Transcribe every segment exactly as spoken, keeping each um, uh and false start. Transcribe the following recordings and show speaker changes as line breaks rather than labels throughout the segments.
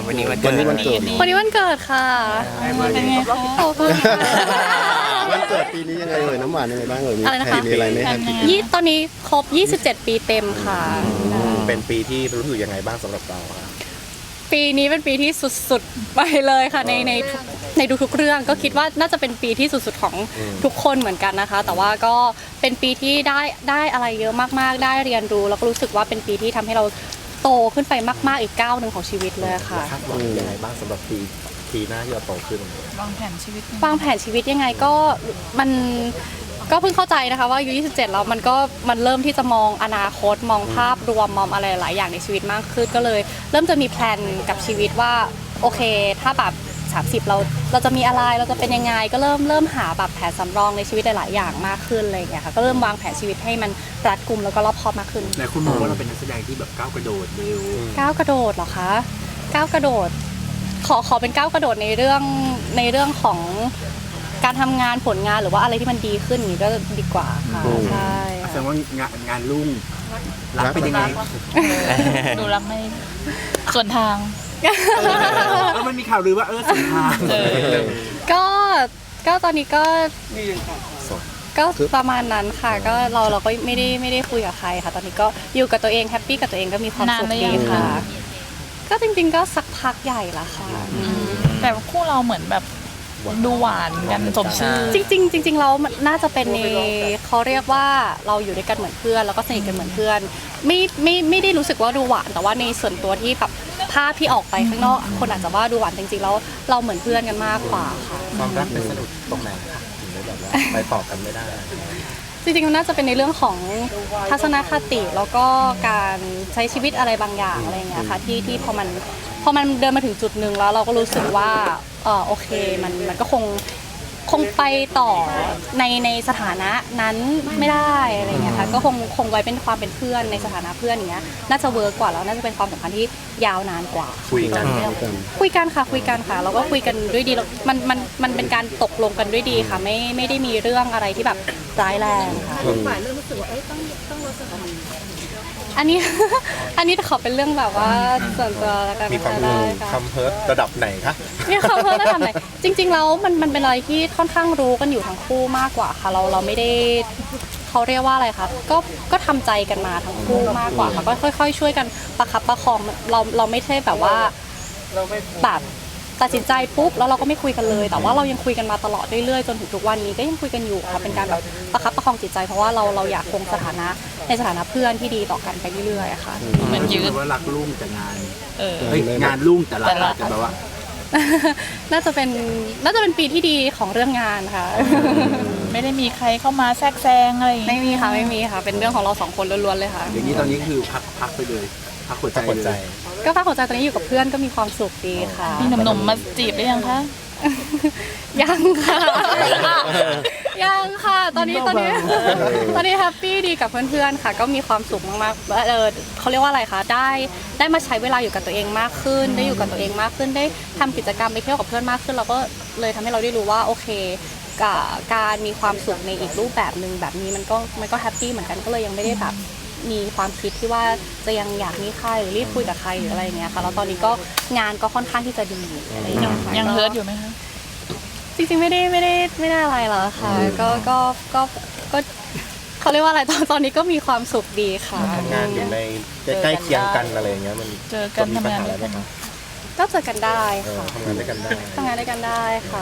วันนี้วันเกิด
วันนี้วันเกิด
วันนี้วันเกิดค่ะเป็นไงคะขอบคุณค่ะ
วันเกิดปีนี้ยังไงเอ่ยน้ำหวานยังไงบ้างเอ่ยมี
อะไรนะคะ
ใครมีอะไรไหมครับ
ยี่ตอนนี้ครบยี่สิบเจ็ดปีเต็มค่ะ
เป็นปีที่รู้สึกยังไงบ้างสำหรับเราครับ
ปีนี้เป็นปีที่สุดๆไปเลยค่ะในในทุกในทุกๆเรื่องก็คิดว่าน่าจะเป็นปีที่สุดๆของทุกคนเหมือนกันนะคะ แต่ว่าก็เป็นปีที่ได้ได้อะไรเยอะมากๆได้เรียนรู้แล้วก็รู้สึกว่าเป็นปีที่ทำให้เราโตขึ้นไปมากๆอีกก้าวหนึ่งของชีวิตเลยค่ะ
คาดหวังยังไงบ้างสำหรับปีปีหน้าที่เราโตขึ้น
วางแผนชีวิต
วางแผนชีวิตยังไงก็มันก็เพิ่งเข้าใจนะคะว่าอายุยี่สิบเจ็ดแล้วมันก็มันเริ่มที่จะมองอนาคตมองภาพรวมมองอะไรหลายอย่างในชีวิตมากขึ้นก็เลย เริ่มจะมีแพลนกับชีวิตว่าโอเคถ้าแบบสามสิบเราเราจะมีอะไรเราจะเป็นยังไงก็เริ่มเริ่มหาแบบแผนสำรองในชีวิตหลายๆอย่างมากขึ้นอะไรอย่างเงี้ยค่ะก็เริ่มวางแผนชีวิตให้มันรัดกุมแล้วก็รอบคอบมากขึ้น
หลายคนมองว่าเราเป็นนักแสดงที่แบบก้าวกระโดดเร็ว
ก้าวกระโดดเหรอคะก้าวกระโดดขอขอเป็นก้าวกระโดดในเรื่องในเรื่องของการทำงานผลงานหรือว่าอะไรที่มันดีขึ้นอย่างนี้ก็ดีกว่าค่ะใช่
แสดงว่างานงานรุ่งรักเป็นยังไง
ดูรักไม่ส่วนทาง
แล้วมันมีข่าวลือว่าเออสุนทาง
ก็ก็ตอนนี้ก็ก็ประมาณนั้นค่ะก็เราเราก็ไม่ได้ไม่ได้คุยกับใครค่ะ ตอนนี้ก็อยู่กับตัวเองแฮปปี้กับตัวเองก็มีความสุขดีค่ะ ก็จริงๆก็สักพักใหญ่ละค่ะ
แต่คู่เราเหมือนแบบดูหวานกันสมชื่อ
จริงๆจริงๆแล้วมันน่าจะเป็นในเขาเรียกว่าเราอยู่ด้วยกันเหมือนเพื่อนแล้วก็สนิทกันเหมือนเพื่อนไม่ไม่ไม่ได้รู้สึกว่าดูหวานแต่ว่าในส่วนตัวที่แบบภาพที่ออกไปข้างนอกคนอาจจะว่าดูหวานจริงๆแล้วเราเหมือนเพื่อนกันมากกว่าค่ะ
ความรักเป็นสนุกตรงไหนคะถึงได้แบบว่าไปต่อกันไม่ได้
จริงๆมันน่าจะเป็นในเรื่องของทัศนคติแล้วก็การใช้ชีวิตอะไรบางอย่างอะไรอย่างเงี้ยค่ะที่ที่พอมันพอมันเดินมาถึงจุดหนึ่งแล้วเราก็รู้สึกว่าเออโอเคมันมันก็คงคงไปต่อในในสถานะนั้นไม่ได้อะไรเงี้ยค่ะก็คงคงไว้เป็นความเป็นเพื่อนในสถานะเพื่อนอย่างเงี้ยน่าจะเวิร์กกว่าแล้วน่าจะเป็นความสัมพันธ์ที่ยาวนานกว่า
คุยกัน
คุยกันค่ะคุยกันค่ะเราก็คุยกันด้วยดีแล้วมันมันมันเป็นการตกลงกันด้วยดีค่ะไม่ไม่ได้มีเรื่องอะไรที่แบบร้ายแรงค่ะฝ่ายเริ่มรู้สึกว่าเอ้ยต้องต้องลดสถานะอันนี้ อันนี้ขอเป็นเรื่องแบบว่าส่วนตัวแล้วกัน
มีความ
ได้ค่ะ
คำเพิร์ดระดับไหนคะ
มีความเพิ่มระดับไหนจริงๆแล้วมันมันเป็นอะไรที่ค่อนข้างรู้กันอยู่ทั้งคู่มากกว่าค่ะเราเราไม่ได้เขาเรียกว่าอะไรคะก็ก็ทำใจกันมาทั้งคู่มากกว่าค่ะก็ค่อย ๆ ช่วยกันประคับประคองเราเราไม่ใช่แบบว่าแบบตัดสินใจปุ๊บแล้วเราก็ไม่คุยกันเลย แต่ว่าเรายังคุยกันมาตลอดเรื่อยๆจนถึงทุกวันนี้ก็ยังคุยกันอยู่ค่ะเป็นการแบบประคับประคองจิตใจเพราะว่าเราเราอยากคงสถานะในสถานะเพื่อนที่ดีต่อกันไปเรื่อยๆค่ะ
เหมือนยืด
ว่ารักรุ่งแต่งาน
เออ
เฮ้ยงานรุ่งแต่รักอาจจะแบบว่า
น่าจะเป็นน่าจะเป็นปีที่ดีของเรื่องงานค่ะ
ไม่ได้มีใครเข้ามาแทรกแซงอะไรอย่าง
ไม่
เงี้ย
มีค่ะไม่มีค่ะเป็นเรื่องของเราสองคนล้วนๆเลยค่ะ
อย่างนี้ตอนนี้คือพักพักไปเลยพักหัวใจ
ถ้าคนใจ
เลย
ก็พักหัวใจตอนนี้อยู่กับเพื่อนก็มีความสุขดีค่ะ
มีหนุ่มๆมาจีบได้ยังคะ
ยังค่ะ ยังค่ะ ตอนนี้ตอนนี้ตอนนี้แฮปปี้ดีกับเพื่อนๆค่ะ ก็มีความสุขมากๆเออเขาเรียกว่าอะไรคะได้ได้มาใช้เวลาอยู่กับตัวเองมากขึ้น ได้อยู่กับตัวเองมากขึ้นได้ทำกิจกรรมไปเที่ยวกับเพื่อนมากขึ้นเราก็เลยทำให้เราได้รู้ว่าโอเคกับการมีความสุขในอีกรูปแบบหนึ่งแบบนี้มันก็มันก็แฮปปี้เหมือนกันก็เลยยังไม่ได้แบบมีความคิดที่ว่าจะยังอยากมีใครหรือรีบคุยกับใครหรืออะไรอย่างเงี้ยค่ะแล้วตอนนี้ก็งานก็ค่อนข้างที่จะดีอะไรอย่างเงี้ยค่ะ
ยังเฮิร์ตอยู่ไหมคะ
จริงๆไม่ได้ไม่ได้ไม่ได้อะไรหรอกค่ะก็ก็ก็ก็เขาเรียกว่าอะไรตอนตอนนี้ก็มีความสุขดีค่ะ
ทำงานอยู่ในใกล้ๆเคียงกันอะไรอย่างเงี้ยมัน
เจอกัน
มีปัญหา
ทำงาน
อะไรไหมคะ
ก็เจอกันได้
เออ
ค่ะ
ทำงานด้วยกันได้
ทำงานด้วยกันได้ค่ะ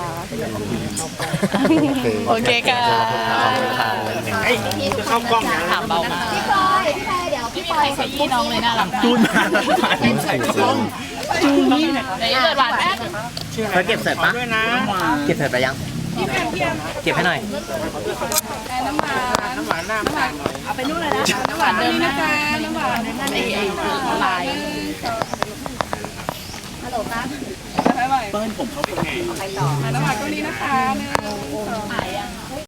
โอเคค่ะ
จะเข้ากล้องนะ
ถามเบามา
พี่พลอยพี่พลอยเดี๋ยว
ไม่
พี่
มี
พลอ
ใคร
ย
ขยี้น้องเลยน่ารักมาก
จูนมาใส่กล้องจูนนี่
ไหนเกิดหวานแป๊บ
เธอเก็บเสร็จปะเก็บเสร็จไปยังเก็บให้หน่อย
น้ำหวานน้ำหวานน้ำหวานเอาไปนู่นเลยนะน้ำหวานเดิมนะจ๊ะน้ำหวานนั่นไอ้ไอ้ละลายฮัลโหลครับ
เปิ้ลผมเขาเป็นไง
ไปต่อน้ำหวานก็นี้นะคะหนึ่งสอง